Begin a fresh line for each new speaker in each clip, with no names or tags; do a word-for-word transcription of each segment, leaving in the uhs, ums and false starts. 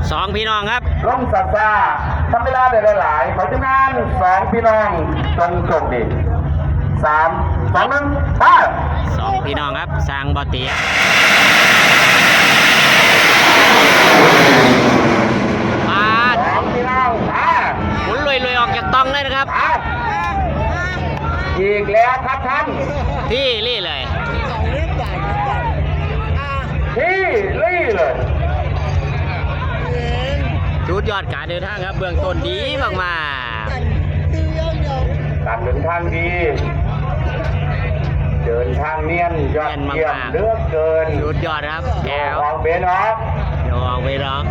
สองพี่น้องครับ
ลงซาซาทำเวลาได้หลายๆขอทีมงานสองพี่น้องจงโชคดีสามสองหนึ่งไป
สองพี่น้องครับสร้างบ่อเตียมา
สองพี่น้องอ่า
หมุนลุยๆออกจากตองเลยนะครับ
อีกแล้วครับท่าน
ที่รี่เลย
ที่รี่เลย
ชุดยอดการเดินทางครับเบื้องต้นดีมากมา
การเดินทางดีเดินทางเนียนยอดเยี่ยมเลือกเกิน
ชุดยอดครับแก้ว
ออกเบนออก
เดี๋ยวออกไปร้อง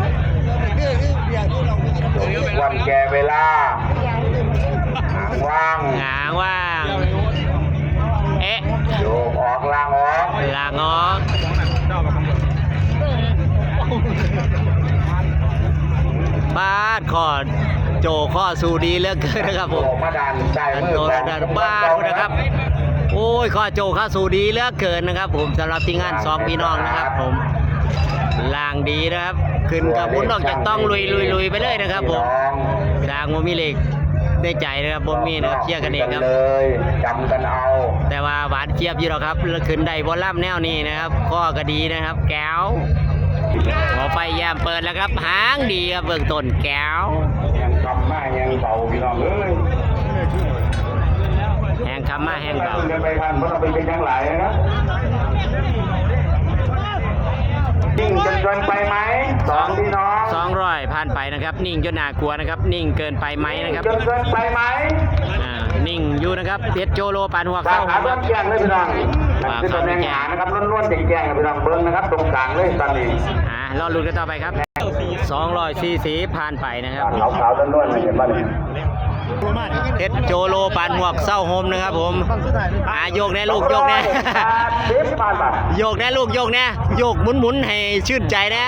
วันแก่เวลาหางว่าง
หางว่างเอ๊ะ
โยกออกล่างออก
ล่างออกบ้านขอดโจข้อสูดีเลือกเกินนะครับผม
มาดันใจมือ
ดันบ้านนะครับโอ้ยข้อโจข้อสูดีเลือกเกินนะครับผมสำหรับทีมงานสองพี่น้องนะครับผมล่างดีนะครับขึ้นกับบุญออกจากต้องลุยลุยลุยไปเลยนะครับผมล่างโมมีเหล็กได้ใจนะครับผมมีนะครับเชียร์กันเองครับ
เลยจำกันเอา
แต่ว่าหวานเจี๊ยบอยู่หรอกครับขึ้นได้บอลล่ำแนวนี้นะครับข้อก็ดีนะครับแก้วหัวไฟแยมเปิดแล้วครับหางดีครับเบื้องต้นแก้ว
ยังคำมายังเบาพี่น้องเลย
แหงคำมาแหงเบา
เดินไปทันเพราะเราไปเป็นยังหลายนะนิ่งจนเกินไปไหมสองพี่น้อง
สองร้อยผ่านไปนะครับนิ่งจนน่ากลัวนะครับนิ่งเกินไปไหมนะครับ
จนเกินไปไหม
อ่านิ่งอยู่นะครับเพชรโจโลปานหัว
เข้าครับต้องแจ้งเลยพี่น้องคือตำแหน่งหานะครับล้วนๆแจ้งๆพี่น้องเบิ้งนะครับตรงกลางเลยตอนนี้
อ่ารอลุ้นกันต่อไปครับสองร้อยสี่สิบผ่านไปนะครับ
ขาวๆล้วนๆเห็นป่ะเนี่ย
เพชรโจโลปานหัวเศร้าโฮมนะครับผมอ่าโยกแน่ลูกโยกแน่โยกแน่ลูกโยกแน่โยกหมุนๆให้ชื่นใจนะ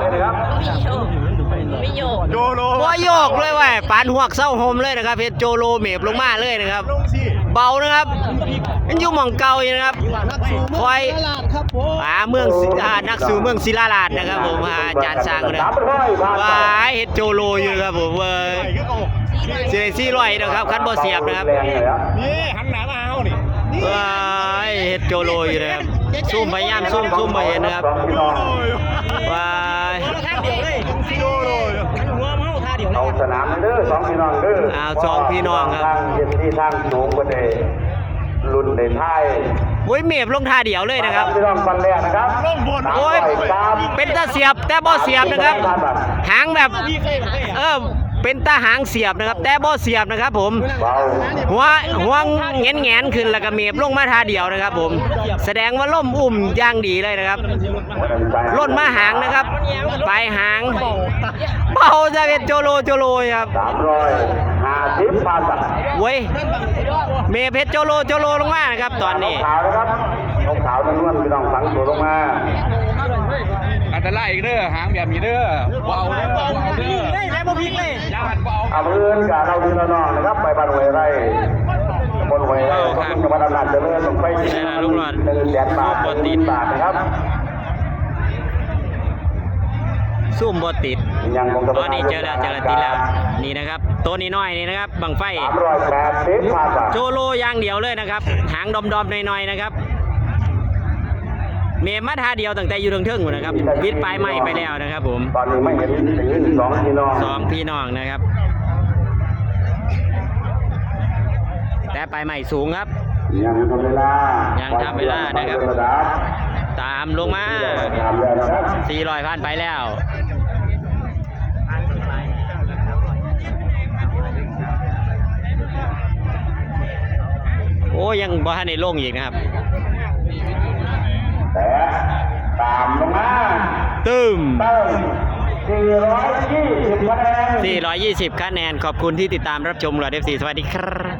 ไม่โยก
โจโลว่าโยกเลยว่ะปานหัวเศร้าโฮมเลยนะครับเพชรโจโลเมบลงมาเลยนะครับเบานะครับมันอยู่หม่องเก่าอยู่นะครับคอยอ่าเมืองอ่านักสู่เมืองศิลาลาดนะครับผมอาจารย์สร้างนะว่าเฮ็ดโจโลอยู่ครับผมเว้ยเสียซี่ลอยนะครับคันบ่เสียบนะครับ
นี่หันหน้ามาเอานี่
ว้ายเฮ็ดโจโลอยู่นะครับซุ่มพยายามซุ่มซุ่มมาเห็นนะครับว้าย
เอาสนามเด้อสองพี่น้องเด้อ
อ้าวสองพี่น้องครับ
ทางเย็นที่ทางสูงกว่าเดรุ่นในไทย
โอ้ยเมฟลงท่าเดียวเลยนะครับ
พี่น้องฟันแรกนะครับ
โอ้ยเป็นตาเสียบแต่บ่เสียบนะครับหางแบบเออเป็นตาหางเสียบนะครับแต่บ่เสียบนะครับผมหัวหัวเงี้ยเงี้ยขึ้นแล้วก็เมฟลงมาท่าเดียวนะครับผมแสดงว่าล่มอุ่มย่างดีเลยนะครับล่นมาหางนะครับปลายหางเบาจะเป็นโจโลโจโลครับ
สามร้อยห้าสิบปอนด์
เว้ยเมเพชรโจโลโจโลลงมานะครับตอนนี้
ขาวนะครับขาวล้วนๆพี่น้องฝังตัวลงมา
อันตรายอีกเด้อหางแบบนี้เด้อเบาเด้อเบาเด้อได้แล้วบ่พิกเลยญาติเบา
เอาเพื่อนกับเราพี่น้องนะครับไปบ้านหวยไร่บนหวยไร่ก็ต้องจังหวัดอำนาจเจริญลงไปที่
ลูกหลาน
หนึ่งแสนบาทตีนบาทนะครับ
ซุ่มบอติดตอนนี้เจอแล้วเจอแล้วติดแล้วนี่นะครับตัวนี้น้อยนี่นะครับบังไฟโจโลอย่างเดียวเลยนะครับหางดอมๆหน่อยๆนะครับเมมัดท่าเดียวตั้งแต่อยู่เทิงๆอยู่นะครับวิดปลายไม้ไปแล้วนะครับผม
ตอนนี้ไม่เห็นสองพี่น้อง
สองพี่น้องนะครับแต่ปลายไม้สูงครับ
ยังทำเวลา
ยังทำเวลานะครับตามลงมาสี่ร้อยพันไปแล้วโอ้ยังบ้านในโล่งอีกนะครับ
แต่ตามลงมา
ตึม
สี่ร้อยยี่สิบคะแนน
สี่ร้อยยี่สิบคะแนนขอบคุณที่ติดตามรับชมหลอด เอฟ ซี สวัสดีครับ